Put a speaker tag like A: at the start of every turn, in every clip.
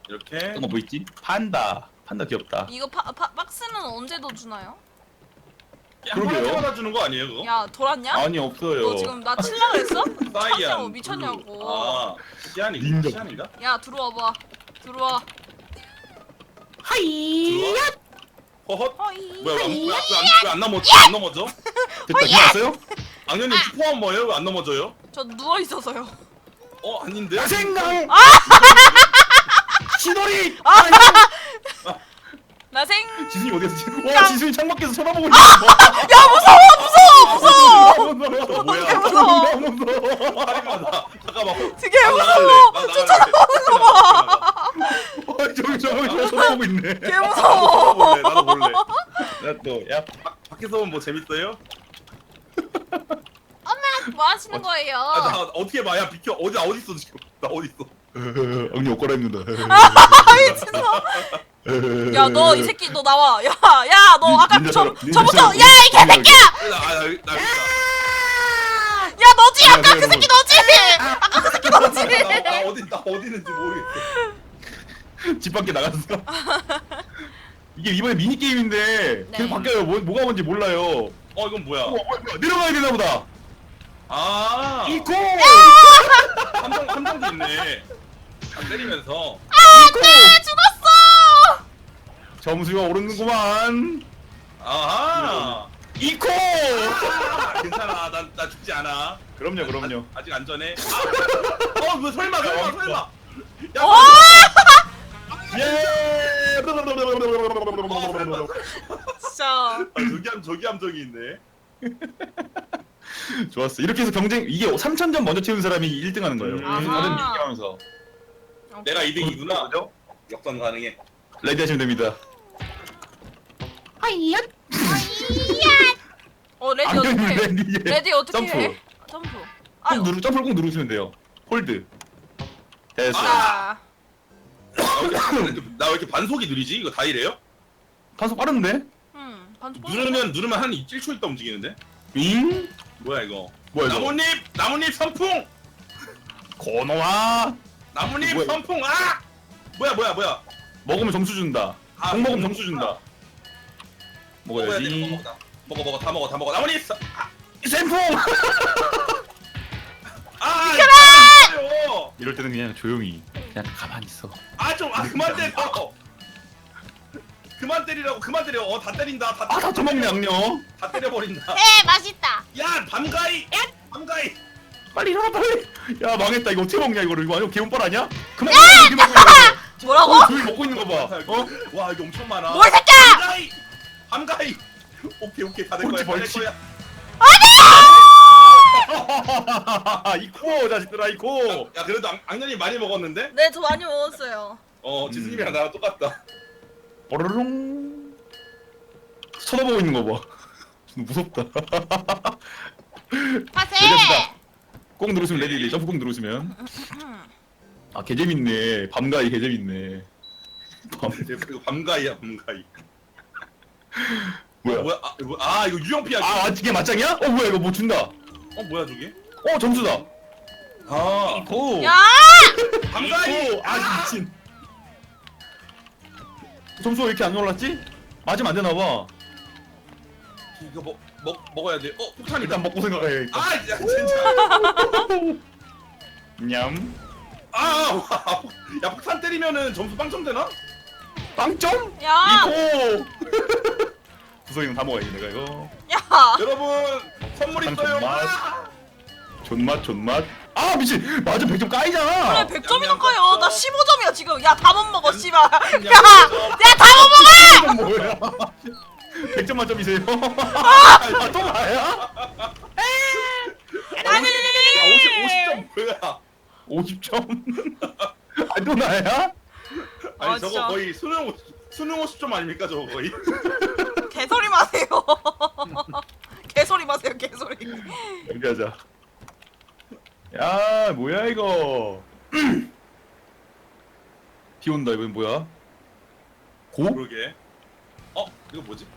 A: 이렇게.
B: 또 뭐 있지? 판다. 판다 귀엽다.
C: 이거 박스는 언제 더 주나요?
A: 한 번에
B: 그러게요.
A: 받아주는 거 아니에요 그거?
C: 야 돌았냐?
B: 아니 없어요.
C: 너 지금 나 칠라 그랬어?
A: 사이안.
C: 참새고 미쳤냐고.
A: 아, 시안인가?
B: 닌자.
A: 시안인가?
C: 야 들어와봐. 들어와.
A: 하이야. 허헛.
C: 허이.
A: 뭐야? 왜안 넘어져? 안 넘어져?
B: 됐다. 끝났어요?
A: 악녀님 슈퍼한 뭐예요? 왜 안 넘어져요?
C: 저 누워 있어서요.
A: 아닌데?
B: 야생강. 시돌이.
C: 나생.
B: 지순이 어디 갔어? 와 지순이 창밖에서 쳐다보고 있어.
C: 야 무서워 무서워.
A: 저 뭐야?
C: 되게 무서워.
B: 너무 무서워.
A: 잠깐만. 잠깐만.
C: 되게
A: 나
C: 무서워.
A: 나갈래.
C: 저 쳐다보는 거 봐.
B: 저기 쳐다보고 있네.
C: 개 무서워.
A: 나도 볼래.
B: 나또야
A: 밖에서 뭐 재밌어요?
C: 뭐 하시는 거예요?
A: 나 어떻게 봐? 야 비켜. 어디 있어 지금? 나 어디 있어?
B: 언니 옷 갈아입는다.
C: 미친놈. 야 너 이 새끼 너 나와. 야 너 아까 저부터 야 이 개새끼야.
A: 나 여기
C: 야 너지 아까 그 새끼 너지. 아까 그 새끼 너지.
A: 나 어디 있는지 모르겠어.
B: 집 밖에 나갔어. 이게 이번에 미니 게임인데
C: 네.
B: 계속 바뀌어요. 뭐가 뭔지 몰라요.
A: 이건 뭐야?
B: 뭐야, 내려가야 되나 보다.
A: 아,
B: 이코.
A: 함정도 있네. 때리면서.
C: 안돼 죽었어.
B: 점수가 오르는구만.
A: 아하.
B: 이코.
A: 괜찮아. 나 죽지 않아.
B: 그럼요.
A: 아직 안전해. 뭐 설마. 야,
B: 예.
C: 진짜.
A: 저기 함정이 있네.
B: 좋았어. 이렇게 해서 경쟁 이게 3,000점 먼저 채운 사람이 1등 하는 거예요.
A: 아하.
B: 다른 얘기하면서.
A: 내가 2등이구나.
B: 그죠?
A: 역전 가능해.
B: 레디 하시면 됩니다.
C: 레디 어떻게?
B: 레디.
C: 레디 어떻게
B: 점프.
C: 해? 점프.
B: 점프를 꼭 누르시면 돼요. 홀드. 됐어.
C: 아.
A: 나 왜 이렇게 반속이 느리지? 이거 다 이래요?
B: 단속 빠른데?
C: 반죽.
A: 누르면 한 1초 있다 움직이는데?
B: 윙?
A: 뭐야 이거?
B: 뭐야 이거?
A: 나뭇잎 선풍!
B: 고노아.
A: 나뭇잎
B: 뭐야, 이거?
A: 선풍! 아! 뭐야?
B: 먹으면 점수 준다.
A: 아,
B: 공 먹으면 점수 준다.
A: 먹어야 돼.
B: 먹어야지.
A: 먹어. 다 먹어. 나뭇잎 선...
B: 샘풍!
A: 비켜라!
B: 이럴 때는 그냥 조용히 그냥 가만히 있어.
A: 그만 때려! 그만 때리라고, 그만 때려. 다 때린다.
B: 다 처먹네 악녀.
A: 다 때려버린다.
C: 맛있다.
A: 야, 밤가이!
B: 빨리 일어나 빨리. 야 망했다 이거 어떻게 먹냐 이거를. 이거 아니고 개운빨 아니야? 그만 이렇게 먹고 있는 거.
C: 뭐라고?
B: 조용히 먹고 있는 거 봐.
A: 와, 이거 엄청 많아.
C: 뭐 이 새끼야!
A: 밤가이! 오케이. 다 될 거야.
B: 벌칙. 이코 자식들아 이코.
A: 야, 그래도 악년이 많이 먹었는데?
C: 네, 저 많이 먹었어요.
A: 지수님이랑 나랑 똑같다.
B: 뽀로롱. 쳐다보고 있는 거 봐. 무섭다. 레디합시다. 꼭 누르시면 레디. 점프 꼭 누르시면. 아 개재밌네. 밤가이 개재밌네.
A: 이거 밤가이야.
B: 뭐야?
A: 이거 유형피하기.
B: 이게 맞짱이야? 뭐야 이거 뭐 준다.
A: 뭐야 저게?
B: 점수다.
A: 이코.
C: 야!
A: 밤가이.
B: 미친. 점수가 왜 이렇게 안 올랐지? 맞으면 안 되나 봐.
A: 이거 먹어야 돼. 폭탄이다.
B: 일단 먹고 생각해야겠다.
A: 야, 진짜.
B: 냠.
A: 야, 폭탄 때리면은 점수 빵점 되나?
B: 빵점?
C: 야!
B: 이코. 구성이는 다 먹어야지 내가 이거.
C: 야!
A: 여러분, 선물 있어요.
B: 존맛. 미친. 맞아 100점 까이잖아.
C: 그래 100점이나 까요. 나 15점이야 지금. 야 다 못 먹어 씨발. 야
A: 야,
C: 다 못 먹어.
B: 뭐야? 100점 만점이세요? 또 나야?
C: 아니.
A: 50점 뭐야?
B: 50점? 또 나야?
A: 아니 저거
C: 진짜.
A: 거의 수능 50점 아닙니까 저거 거의?
C: 개소리 마세요. 개소리 마세요 개소리.
B: 여기 하자. 야 뭐야 이거. 비 온다. 이건 뭐야? 고?
A: 그러게. 이거 뭐지?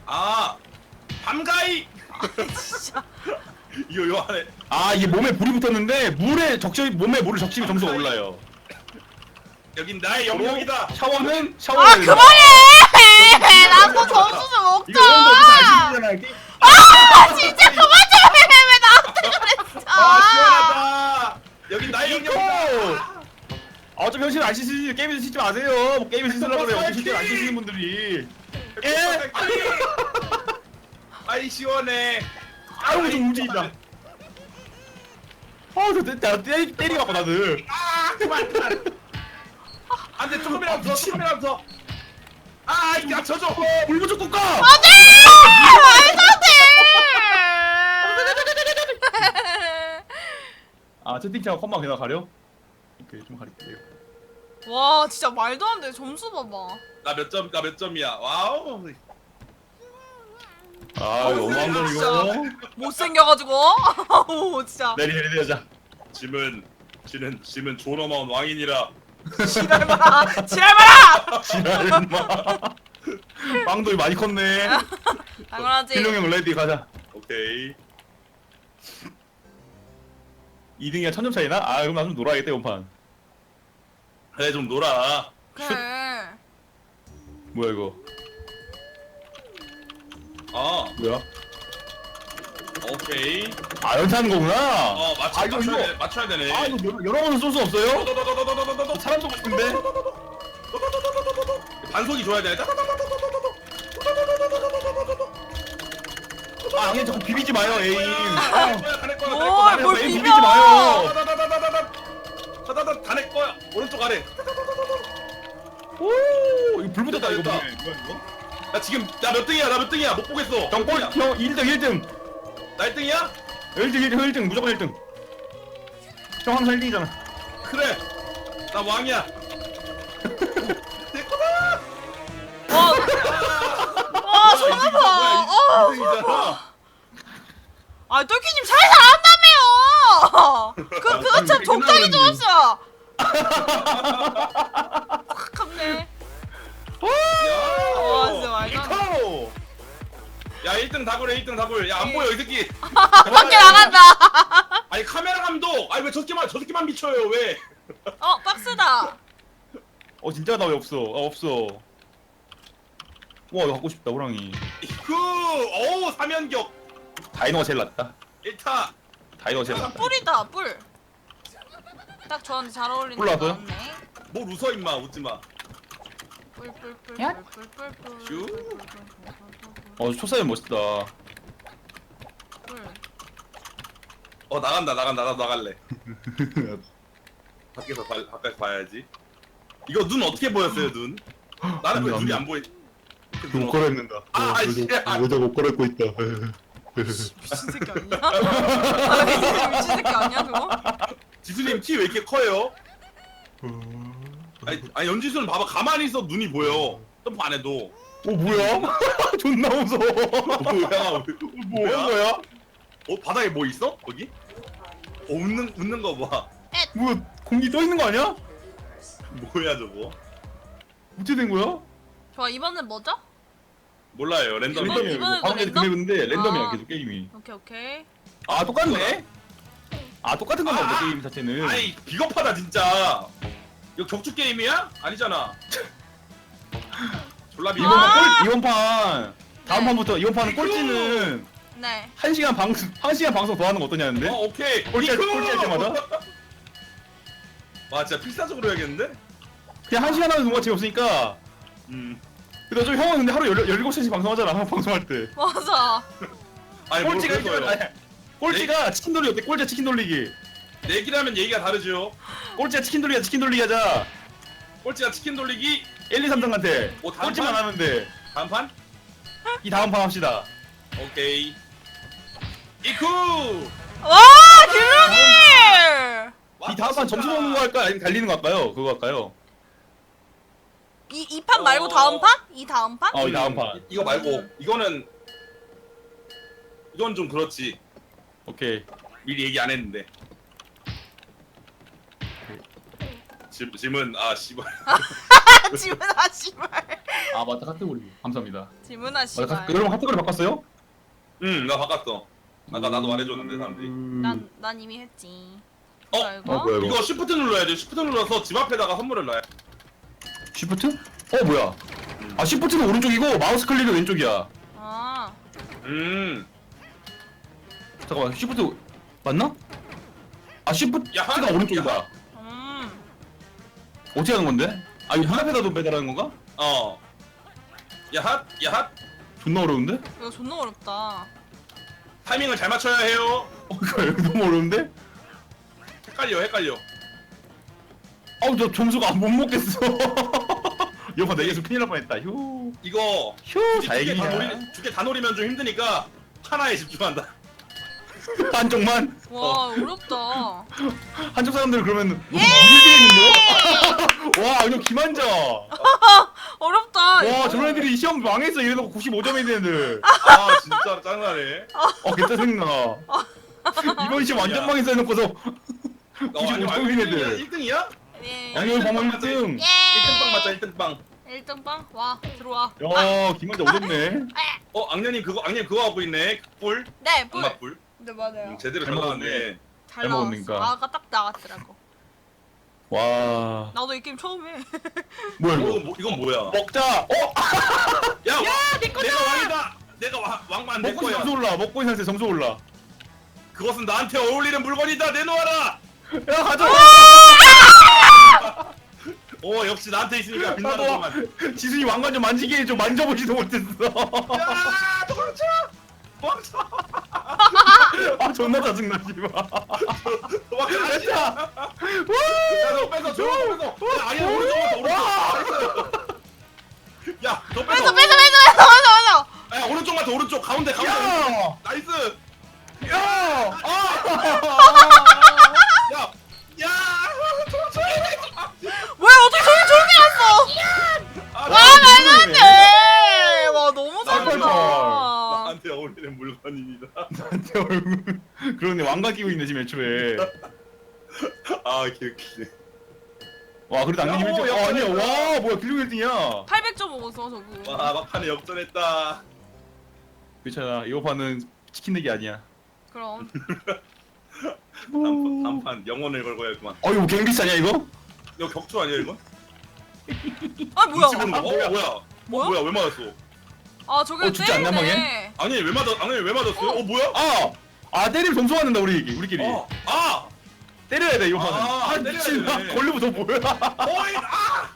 A: 밤가이.
C: 진짜.
A: 이거 안에
B: 이게 몸에 불이 붙었는데 몸에 물을 적시면 점수가 올라요.
A: 여긴 나의 영역이다.
B: 샤워는
C: 아
B: 샤워해야 된다.
C: 그만해. 나도 점수 좀
B: 이거 여러분들 어떻게
C: 먹자.
B: 아시잖아요.
C: 아 진짜 그만 좀 해. 왜 나한테 그랬어?
A: 아 시원하다. 여긴 나의 영역이다.
B: 이거! 어차피 현실 안 씻으시지 게임에서 씻지 마세요. 뭐 게임에서 씻으려고 그래요. 어차피 실제 안 씻으시는 분들이. 예?
A: 아이 시원해.
B: 아유 좀 움직인다. 나 때리고 갖고 나들.
A: 아 그만 그만. 안돼 조금이라도 더 조금이라도 더. 아 야 져줘.
B: 물고 좀 꺾어.
C: 안돼. 말도 안 돼.
B: 아 채팅창 컴만 그냥 가려? 오케이 좀 가릴게요.
C: 와 진짜 말도 안 돼. 점수 봐봐.
A: 나 몇 점이야. 와우.
B: 아 이거 너무한 거 이거.
C: 못생겨가지고. 아우 진짜.
B: 내리자.
A: 짐은 존엄한 왕이니라.
C: 지랄 마라. 지랄 마라.
B: 지랄 인마. 빵도 많이 컸네.
C: 당연하지.
B: 필룡형 레디 가자.
A: 오케이.
B: 2등이야 1000점 차이나? 아 그럼 나 좀 놀아야겠다 이번
A: 그래 좀 놀아.
C: 그래.
B: 뭐야 이거?
A: 어
B: 뭐야?
A: 오케이.
B: 아 연타하는 거구나.
A: 어
B: 아, 이거, 이거.
A: 맞춰야 되네.
B: 아 이거 여러 번은 쏠 수 없어요? 사람 쏘고 싶은데?
A: 반속이 줘야 돼.
B: 아 그냥 자꾸 비비지 마요 에임.
C: 뭘
B: 에임
C: 비벼.
B: 비비지 마요.
A: 다내 거야. 오른쪽 아래.
B: 오 이거 불 붙었다 이거
A: 됐다.
B: 뭐야 이거?
A: 나 지금 나 몇 등이야? 나 몇 등이야? 못 보겠어.
B: 형꼴 형 1등
A: 나 1등이야?
B: 1등 무조건 1등. 형 항상 1등이잖아.
A: 그래. 나 왕이야. 내 거다.
C: 와 sonaba. 어.
A: 2등이잖아.
C: 아 똘끼님 잘 잘한다며요. 그거 참 적당히 좋았어. 확 와 진짜 말도 안 돼.
B: 코!
A: 야 1등 다굴해 1등 다굴. 야 안 보여 이 새끼.
C: 밖에 나간다.
A: 아니 카메라 감독. 아니 왜 저 새끼만 미쳐요 왜?
C: 박스다.
B: 진짜 나 왜 없어? 없어. 와 이거 갖고 싶다 호랑이.
A: 어우 사면격.
B: 다이노가 제일 낫다.
A: 1타.
B: 다이노가 제일 낫다.
C: 뿔이다 뿔. 딱 저한테 잘 어울리는
B: 뿔 나왔어요?
C: 나왔네.
A: 뭘 웃어 임마 웃지마.
C: 뿔뿔뿔뿔뿔뿔.
A: 슈.
B: 초사연 멋있다.
C: 뿔.
A: 나간다 나도 나갈래. 밖에서 봐야지. 이거 눈 어떻게 보였어요 눈? 나는 왜 눈이 안 보이?
B: 옷 갈아입는다.
A: 아, 씨.
B: 여자 옷 갈아입고 있다.
C: 미친 새끼 아니야? 미친 새끼 아니야 그거?
A: 지수님 키 왜 이렇게 커요? 아니 연지수는 봐봐 가만히 있어 눈이 보여. 점프 안 해도.
B: 뭐야? 존나 무서워.
A: 뭐야?
B: 뭐야 거야?
A: 바닥에 뭐 있어? 거기? 웃는 거 봐.
B: 뭐야 공기 떠 있는 거 아니야?
A: 뭐야 저거?
B: 어떻게 된 거야?
C: 좋아 이번엔 뭐죠?
A: 몰라요 랜덤.
C: 이번에도
B: 방금
C: 랜덤?
B: 그 맵인데 랜덤이야
C: 아.
B: 계속 게임이.
C: 오케이.
B: 아 똑같네? 아 똑같은 건가 보다 게임 자체는.
A: 아니 비겁하다 진짜. 이거 격투 게임이야? 아니잖아. 졸라 비겁.
B: 이번 판 다음
C: 네.
B: 판부터 이번 판은 꼴찌는
C: 네.
B: 1시간 방송 더 하는 거 어떠냐는데?
A: 오케이.
B: 꼴찌할 때마다?
A: 와 진짜 필사적으로 해야겠는데?
B: 그냥 1시간 하면 뭔가 재미없으니까. 근데 좀 형은 근데 하루 17시간씩 방송하잖아 방송할 때.
C: 맞아.
A: 아니
B: 꼴찌가
A: 뭘 그래서요?
B: 있으면 꼴찌가 치킨 돌리기 어때? 꼴찌 치킨 돌리기.
A: 내기라면 얘기가 다르죠.
B: 꼴찌가 치킨 돌리기 하자.
A: 꼴찌가 치킨 돌리기
B: 1, 2, 3등한테
A: 다음
B: 꼴찌만
A: 판?
B: 하면 돼.
A: 다음 판?
B: 이 다음 판 합시다.
A: 오케이. 이쿠!
C: 와 김용일.
B: 이 다음 판 점수 먹는 거 할까요? 아니면 달리는 거 할까요? 그거 할까요?
C: 이 판 말고 다음 판? 이 다음 판?
B: 이 다음 판.
A: 이거 말고 이건 좀 그렇지.
B: 오케이.
A: 미리 얘기 안 했는데. 짐은 씨발.
C: 지문아 씨발.
B: 아 맞다 카테고리. 감사합니다.
C: 지문아 씨발.
B: 여러분 카테고리 바꿨어요?
A: 나 바꿨어. 아까 나도 말해줬는데 사람들이.
C: 난 이미 했지.
A: 어?
C: 뭐야, 이거?
B: 뭐야 이거?
A: 이거 쉬프트 눌러야 돼. 쉬프트 눌러서 집 앞에다가 선물을 놔야 돼.
B: 시프트? 뭐야? 아 시프트는 오른쪽이고 마우스 클릭은 왼쪽이야.
C: 아.
B: 잠깐만 시프트 맞나? 아 시프트가
A: 야,
B: 오른쪽이다. 어떻게 하는 건데? 아 이거 문 앞에다 배달하는 건가?
A: 야핫 야핫.
B: 존나 어려운데?
C: 이거 존나 어렵다.
A: 타이밍을 잘 맞춰야 해요.
B: 이거 너무 어려운데?
A: 헷갈려.
B: 아우 저 점수가 못 먹겠어. 여봐 내게서 큰일 날 뻔했다. 휴.
A: 이거
B: 휴 다행이야.
A: 두 개 다 노리면 좀 힘드니까 하나에 집중한다.
B: 한쪽만.
C: 와 어렵다.
B: 한쪽 사람들 그러면 이기겠는데? 와 이거 김한자.
C: 어렵다.
B: 와
C: 이거.
B: 저런 애들이 시험 망했어. 이래놓고 95점이 되는 애들.
A: 아 진짜 짱나네.
B: 괜찮 생나. 이번 시험 완전
A: 야.
B: 망했어 해놓고서 95점인 애들.
A: 1등이야?
C: 예.
B: 양열 범원 1등.
A: 1등빵 맞자 1등빵.
C: 1등 빵? 와 들어와.
B: 야 김한자 오졌네.
A: 악녀님 그거 하고 있네. 뿔.
C: 네 뿔.
A: 악마뿔.
C: 네 맞아요.
A: 제대로
B: 잘
A: 잘 나왔네.
B: 먹었네.
C: 잘
B: 잘
C: 나왔어.
B: 먹으니까.
C: 아까 딱 나왔더라고.
B: 와
C: 나도 이 게임 처음 해.
B: 뭐야 이거?
A: 이건 뭐야?
B: 먹자.
A: 야, 내가 왕이다. 내가 왕만 내
B: 먹고 있어
A: 거야.
B: 점수 올라. 먹고 있는 상태 점수 올라.
A: 그것은 나한테 어울리는 물건이다. 내놓아라.
B: 야 가져.
A: 오 역시 나한테 있으니까 빛나는
B: 나도
A: 것만.
B: 지순이 왕관 좀 만지게 해줘. 만져보지도 못했어.
A: 야, 도망쳐. 도망쳐.
B: 아 존나 짜증나 씨발.
A: 도망쳐.
B: 됐다.
A: 야, 너 뺏어. 줘. 뺏어. 야, 아니야 오른쪽부터 오른쪽. 야, 너 뺏어.
C: 맞아.
A: 야, 오른쪽만 더 오른쪽. 가운데.
B: 야.
A: 나이스.
B: 야.
A: 야. 야. 도망쳐.
C: 왜 어떻게 저기 조용히 했어?
A: 아,
C: 와 말도 안 돼. 와 너무
B: 깜짝이야.
C: 잘한다.
A: 나한테 어울리는 물건입니다.
B: 나한테 얼굴. 그러네 왕관 끼고 있네 지금 애초에.
A: 아, 개웃기네.
B: 와 그래도 안경이
A: 야,
B: 1등.
A: 오,
B: 아니야. 와 뭐야 길룡 1등이야.
C: 800점 먹었어 저거.
A: 와, 막판에 역전했다.
B: 괜찮아. 이거 판은 치킨 내기 아니야.
C: 그럼.
A: 단판 영혼을 걸고 해야구만.
B: 이거 갱비스 아니야 이거?
A: 이거 격투 아니야 이거?
C: 아 뭐야?
A: 눈치 보는 거.
B: 뭐야?
A: 뭐야?
C: 뭐야?
A: 뭐야? 왜 맞았어?
C: 아 저게
B: 죽지 않나,
C: 때리네.
A: 아니 왜 맞았어요? 뭐야?
B: 때리면 점수 받는다 우리끼리.
A: 아!
B: 때려야 돼 이거 판은.
A: 아,
B: 미친.
A: 때려야 돼.
B: 걸리면 더 뭐야?
A: 어이! 아!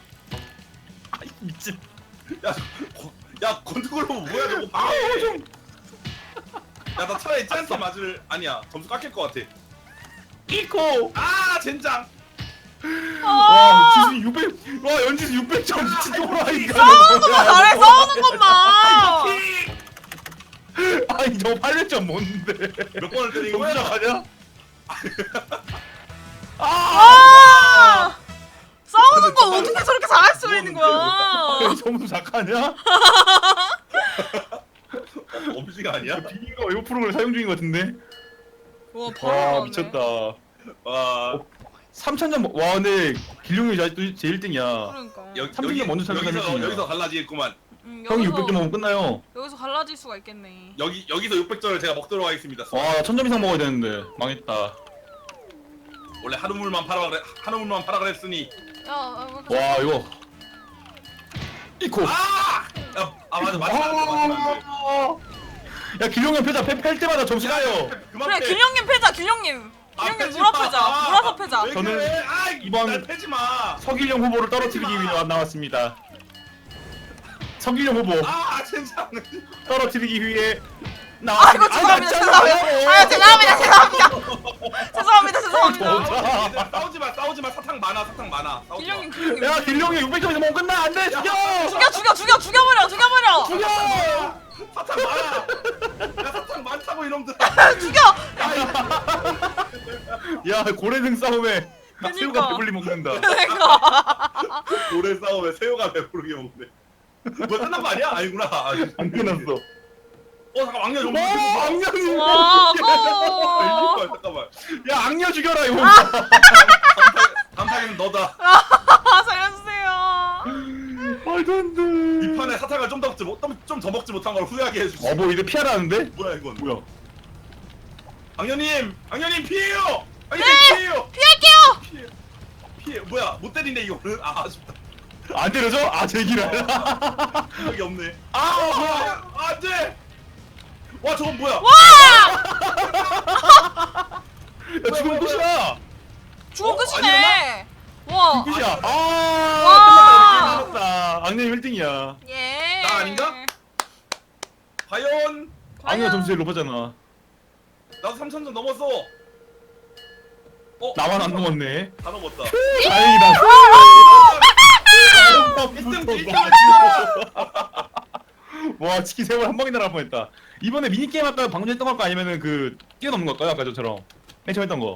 B: 미친.
A: 야, 건투걸로 뭐야 저거?
B: 좀.
A: 야, 나 차라리 쟤한테 맞을 아니야. 점수 깎일 것 같아.
B: 이코.
A: 아, 젠장.
B: 와 지순이 600. 와 연지수 600점 미친 놈으로 하니까.
C: 싸우는 것만 잘해 싸우는 것만.
B: 아니 저 800점 뭔데?
A: 몇 번을 때린
B: 점수
A: 거야?
B: 가냐?
C: 아! 싸우는 건 어떻게 저렇게 잘할 수 있는 거야?
B: 점수 작가냐?
A: 엄지가 아니야?
B: 비인가 웨브 프로그램 사용 중인 것 같은데?
C: 와 바로
B: 와
C: 나왔네.
B: 미쳤다.
A: 와.
B: 3000점 와 근데 길룡이 아직도 제 1등이야.
C: 그러니까.
B: 삼등이 먼저 찾아가는 팀이야.
A: 여기서 갈라지겠구만.
B: 형이 600점 먹으면 끝나요.
C: 여기서 갈라질 수가 있겠네.
A: 여기서 600점을 제가 먹도록 하겠습니다.
B: 와 1000점 이상 먹어야 되는데 망했다.
A: 원래 한우물만 팔아 그랬으니.
C: 야,
B: 와 이거 이코.
A: 아! 맞아.
B: 야 길룡이 형 패자 팰 때마다 점수 가요.
C: 그래 길령님 패자 길령님. 길령님
A: 패지
C: 물어
A: 마.
C: 패자. 물어서 패자.
A: 왜
B: 저는
A: 그래?
B: 이번-
A: 날 패지 마.
B: 서길령 후보를 떨어뜨리기 위해 나왔습니다. 서길령 후보
A: 젠장.
B: 떨어뜨리기 위해
C: 아이고 죄송합니다. 죄송합니다. 죄송합니다.
A: 싸우지 마. 사탕 많아. 싸우지 마.
C: 길령님.
B: 야 길룡이 600점에서 먹으면 끝나 안돼 죽여.
C: 죽여버려.
B: 죽여.
A: 사탕 많아. 야, 사탕 많다고 이놈들아.
C: 죽여.
B: 야 고래등 싸움에
C: 그니까.
B: 새우가 배불리 먹는다.
C: 그러니까.
A: 오래 싸움에 새우가 배부르게 먹네. 뭐 끝난 거 아니야? 아니구나.
B: 안 끝났어.
A: 잠깐 왕녀 좀.
B: 악녀님.
C: 와 아까워.
A: 잠깐만.
B: 야 악녀 죽여라 이거.
A: 단판에는 너다.
C: 살려주세요.
B: 말도 안 돼.
A: 이 판에 사탕을 좀 더 먹지 못한 걸 후회하게 해주지.
B: 뭐 이제 피하라는데?
A: 뭐야 이건?
B: 뭐야?
A: 악녀님 피해요. 악녀님
C: 네!
A: 피해요.
C: 피할게요.
A: 피해. 뭐야 못 때리네 이거는. 아쉽다.
B: 안 때려줘? 아 제기를.
A: 여기 없네. 아 뭐야? 안돼. 와 저건 뭐야?
C: 와!
B: 야 지금 끝이야.
C: 죽어 끝이네. 와.
B: 끝이야.
C: 와.
B: 아 끝났다. 악녀님 1등이야.
C: 예.
A: 나 아닌가? 과연
B: 악녀 점수 제일 높았잖아.
A: 나도 3,000점 넘었어.
B: 나만 안 넘었네.
A: 다 넘었다.
B: 다행이다.
A: 1등
B: 와 치킨 세번 한 방에 날아갈 뻔했다. 이번에 미니 게임 할까요? 방금 했던 거 할까? 아니면은 그 뛰어넘는 거 할까요? 아까 전처럼 맨 처음 했던 거.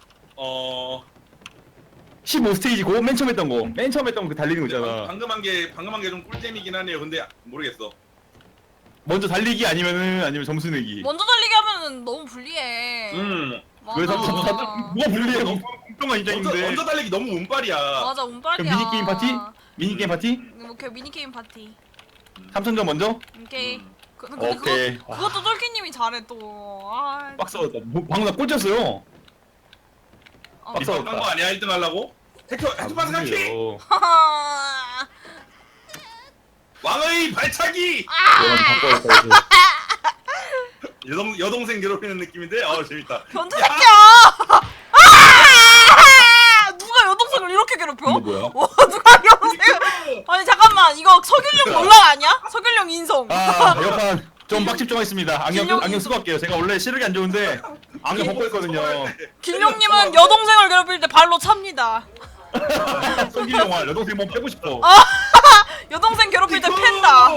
B: 15스테이지고 맨 처음 했던 거. 맨 처음 했던 거 그 달리는 거 있잖아.
A: 방금 한 게 좀 꿀잼이긴 하네요. 근데 모르겠어.
B: 먼저 달리기 아니면 점수 내기.
C: 먼저 달리기 하면은 너무 불리해. 맞아.
B: 왜 뭐가 불리해? 너무 공평한 인정인데.
A: 먼저 달리기 너무 운빨이야.
C: 맞아 운빨이야.
B: 그럼 미니 게임 파티? 미니 게임 파티?
C: 오케이 미니 게임 파티.
B: 3,000점 먼저?
C: 오케이. 근데
B: 오케이.
C: 그것도 똘끼님이 잘해 또. 아.
B: 빡 싸웠다. 방금 나 꼴찌였어요.
C: 어.
B: 빡 싸웠다.
A: 딴거 아니야 1등 하려고? 헤투바스 카키
B: 그래요.
C: 하하.
A: 왕의 발차기.
B: 이건 바꿔야 돼.
A: 여동생 괴롭히는 느낌인데 재밌다.
C: 변태 새끼야. 아! 누가 여동생을 이렇게 괴롭혀?
B: 이거 뭐야?
C: 누가 여동생을? 아니 잠깐만 이거 서균령 논란 아니야? 서균령 인성.
B: 아, 이번 좀 빡집 좀 하겠습니다.
C: 김용-
B: 안경 쓰고 할게요. 제가 원래 시력이 안 좋은데 안경 벗고 했거든요.
C: 길령님은 여동생을 괴롭힐 때 발로 찹니다.
B: 성기 영화 여동생 몸 빼고 싶어.
C: 여동생 괴롭힐 때 팬다.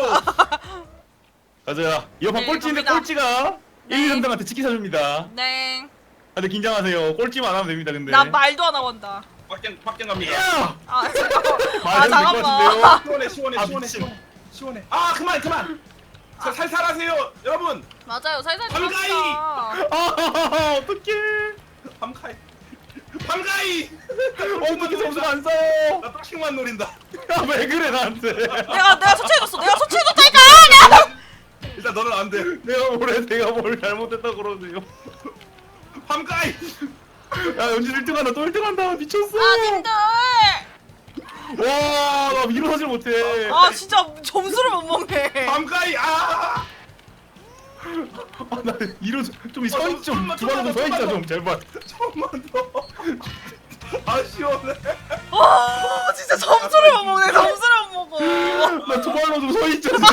B: 가자. 이번
C: 네,
B: 꼴찌인데
C: 갑니다.
B: 꼴찌가
C: 네.
B: 1, 2, 3등한테 치킨 사줍니다.
C: 네.
B: 다들 긴장하세요. 꼴찌만 안 하면 됩니다. 근데.
C: 나 말도 안 하고 한다.
A: 빡경 갑니다.
B: 야!
C: 아 잠깐만.
B: 말해도 될것 같은데요?
A: 시원해.
B: 아, 미친.
A: 시원해. 그만. 살살하세요 여러분.
C: 맞아요 살살
A: 밤가이!
C: 들어갑니다.
B: 아, 어떡해.
A: 밤가이.
B: 어떻게 점수가 안 싸워?
A: 나 떡식만 노린다.
B: 야, 왜 그래 나한테?
C: 내가 소치해줬어. 내가 소치해줬다니까.
A: 일단 너는 안 돼.
B: 내가 뭘 잘못했다고 그러세요?
A: 밤가이.
B: 야, 연진 1등 한다. 또 1등 한다. 미쳤어.
C: 아 님들.
B: 와, 나 일어나질 못해.
C: 아 진짜 점수를 못 먹네.
A: 밤가이.
B: 아, 나 좀 서있 좀
A: 좀만,
B: 두발로 좀 서있자 좀 제발.
A: 조금만 더. 시원해.
C: 아 진짜 점수를 못 먹네. 점수를 못 먹어.
B: 나 두발로 좀 서있자 좀.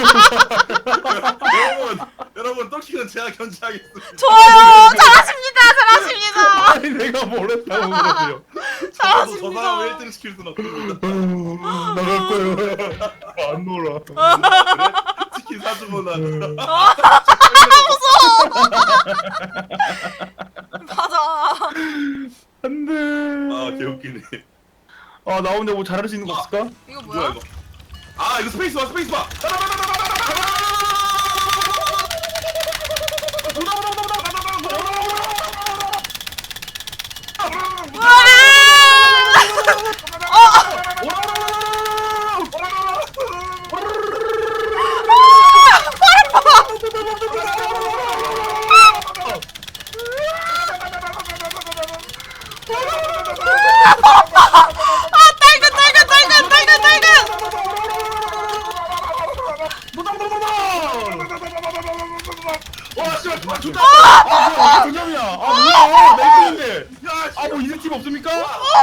A: 여러분 떡식은 제가 견제하겠습니다.
C: 좋아요. 잘하십니다.
B: 아니 내가 뭘 했다고 그러세요.
A: 저도 저 사람을 1등 시킬 순 없습니다.
B: 나갈 거예요. 안 놀아.
A: 그래? 치킨 사주고 나는.
C: 맞아.
B: 안돼.
A: 개웃기네.
B: 아, 나 혼자 뭐 잘할 수 있는 거 없을까?
C: 이거
A: 뭐야
C: 뭐야?
A: 이거? 이거 스페이스바. 와, 씨발, 좋다.
B: 뭐야, 동점이야. 뭐야, 나 이기는데.
A: 야, 씨.
B: 뭐 이색 팀 없습니까?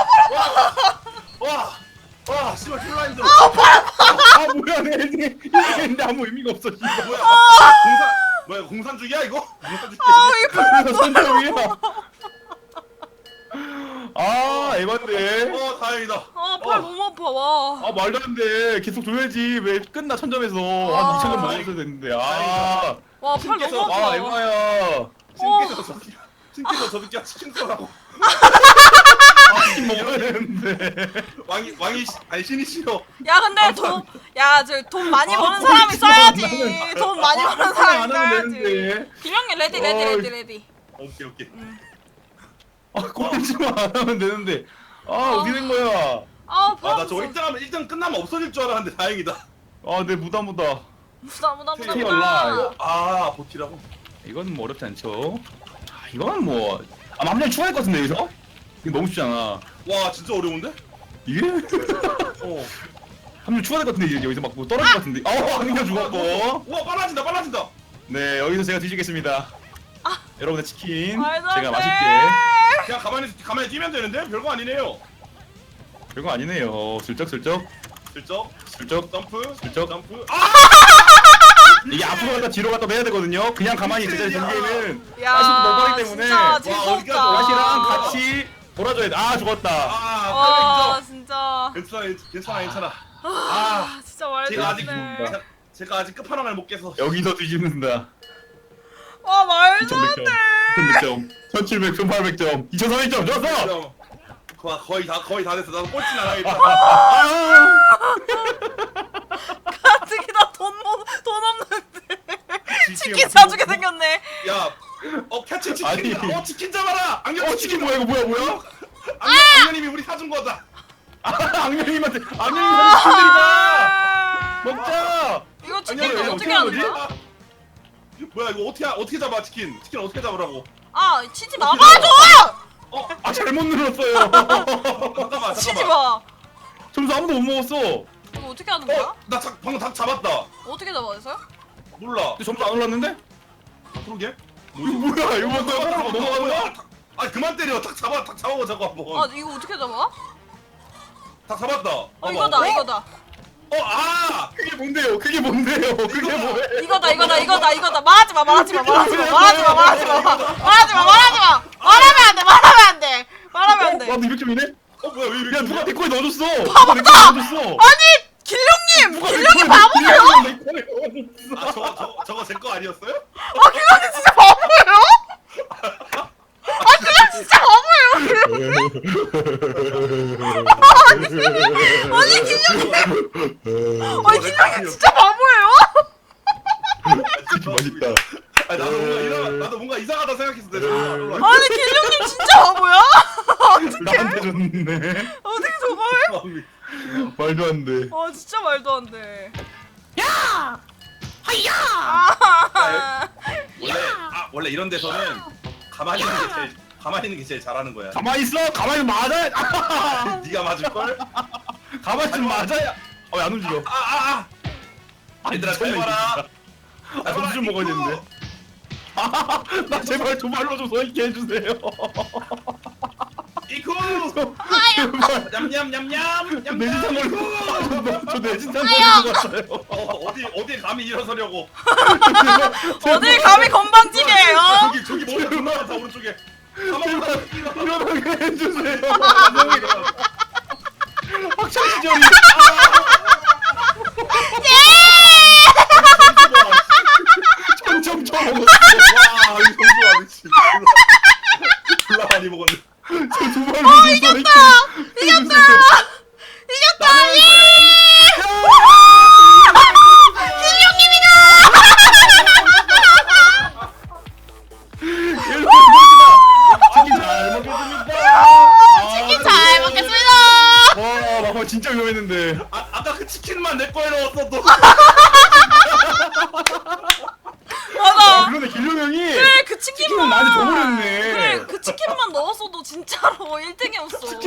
A: 와, 씨발, 졸라 힘들어.
B: 뭐야, 내 이기는데 아무 의미가 없어. 씨발.
A: 공산주기야 이거? 공산주기.
B: 그래서 선점이야. 에반데.
A: 다행이다.
C: 팔 너무 아파. 와.
B: 말도 안 돼. 계속 줘야지. 왜 끝나 천점에서 한 2,000점 먹었어야 되는데.
C: 와, 팔 너무 아파.
B: 에바야.
A: 신께서 저 새끼야 치킨 쏘라고.
B: 치킨 먹어야 되는데.
A: 아니 신이 싫어.
C: 야, 근데 돈 많이 버는 사람이 써야지. 돈 많이 버는 사람이
B: 안 하면
C: 써야지.
B: 되는데.
C: 김영희 레디.
A: 오케이.
B: 꼴찌만 안 하면 되는데. 어디 된 거야?
C: 아,
A: 나 저거 1등 끝나면 없어질 줄 알았는데 다행이다.
B: 내 무다.
C: 무다.
B: Stay alive.
A: 보티라고?
B: 이건 뭐 어렵지 않죠? 이건 뭐. 맘냥 추가할 것 같은데, 여기서? 이거 너무 쉽잖아.
A: 와 진짜 어려운데?
B: 이게? 한 명 추가될 것 같은데 이제 여기서 막 뭐 떨어질 것 같은데. 악녀 죽었고.
A: 우와 빨라진다 빨라진다.
B: 네 여기서 제가 뒤지겠습니다. 여러분의 치킨
C: 말도 안
B: 제가
C: 돼.
B: 맛있게.
A: 그냥 가만히 뛰면 되는데 별거 아니네요.
B: 별거 아니네요. 슬쩍슬쩍
A: 슬쩍
B: 슬쩍
A: 점프
B: 슬쩍.
A: 점프.
B: 이게 앞으로 갔다 뒤로 갔다 해야 되거든요. 그냥 가만히 있을 때 전개는
C: 야,
B: 가시도 너무 빠르기 때문에
C: 진짜
A: 어디가
C: 재수없다.
B: 가시랑 같이 돌아줘야 돼. 아 죽었다.
C: 와,
A: 빨리
C: 진짜.
A: 괜찮아.
C: 아, 진짜 말도
A: 제가
C: 안
A: 아직
C: 돼.
A: 제가 아직 끝판왕을 못 깨서.
B: 여기서 뒤집는다.
C: 와, 말도 안
B: 2100점,
C: 돼.
B: 2100점, 1700점, 1800점, 2300점 좋았어.
A: 거의 다 됐어. 나도 꼴찌 나가겠다.
C: 가뜩이 나돈 없는데. 치킨 사주게 생겼네.
A: 야, 캐치 치킨.
B: 아니.
A: 치킨 잡아라. 악녀
B: 치킨 뭐야 이거 뭐야?
A: 악녀님이 우리 사준 거다.
B: 악녀님한테 악녀님한테 치킨이다. 먹자.
C: 이거 치킨
B: 아니, 아니,
C: 어떻게
B: 어떻게
C: 하는
B: 하는
C: 거야?
A: 뭐야 이거 어떻게 잡아 치킨? 치킨 어떻게 잡으라고?
C: 아, 치지 마. 맞아!
B: 아 잘못 눌렀어요.
A: 잠깐만.
C: 치지 마.
B: 점수 아무도 못 먹었어.
C: 이거 어떻게 하는 거야?
A: 나 방금 닭 잡았다.
C: 어떻게 잡아서요?
A: 몰라.
B: 근데 점수 안 올랐는데?
A: 그러게?
B: 이거 뭐야? 이거 뭐 넘어가는 거야?
A: 아 그만 때려. 닭 잡아보자고 한번.
C: 아, 이거 어떻게 잡아?
A: 닭 잡았다.
C: 이거다, 이거다.
B: 그게 뭔데요? 그게 뭔데요? 그게 뭐예요?
C: 이거다. 말하지 마. 말하면 안 돼.
B: 나도 200점이네?
A: 뭐야 왜 이렇게?
B: 야 누가 내 거에 넣어줬어? 누가 내 거에 넣어줬어?
C: 아니, 길룡님 바보세요?
A: 아 저거 제 거 아니었어요?
C: 아, 길룡님 진짜 바보예요? 아, 그냥 진짜 바보예요. 아니, 길룡님 진짜 바보예요?
B: 치킨 맛있다.
A: 나도 뭔가 이상하다 생각했어.
C: 아니, 길룡님 진짜 바보야?
B: 나한테 줬네.
C: 어떻게 저걸?
B: 말도 안 돼.
C: 아, 진짜 말도 안 돼.
B: 야! 하야!
C: 아,
A: 원래 이런 데서는 가만히 있는 게 제일 잘하는 거야.
B: 가만히 있어. 가만히 맞아.
A: 네가 맞을 걸?
B: 가만히 좀 맞아야. 안 움직여.
A: 얘들아 잘 봐라.
B: 점수 좀 먹어야 되는데. 나 제발 좀 알로 좀 서있게 해주세요.
A: 이쿠.
B: 제발.
A: 냠냠냠냠.
B: 내진상 걸려. 저 내진상 걸린 것 같아요.
A: 어디 감히 일어서려고.
C: 어딜 감히 건방지게요?
A: 저기 머리 존나 많다 오른쪽에.
B: 일어나게 해주세요. 학창 시절이. 점점
A: 와 이거 점수 안 했지. 졸라 많이 먹었네.
B: 저두 발로 좀 이겼다.
C: 이겼다! 치킨 잘 먹겠습니다!
B: 와, 막판 진짜 위험했는데.
A: 아까 그 치킨만 내 거에 넣었어도.
C: 맞아.
B: 그러네, 길룡 형이.
C: 그래, 그 치킨만.
B: 치킨을 나한테 줘버렸네.
C: 그래, 그 치킨만 넣었어도 진짜로 1등이었어.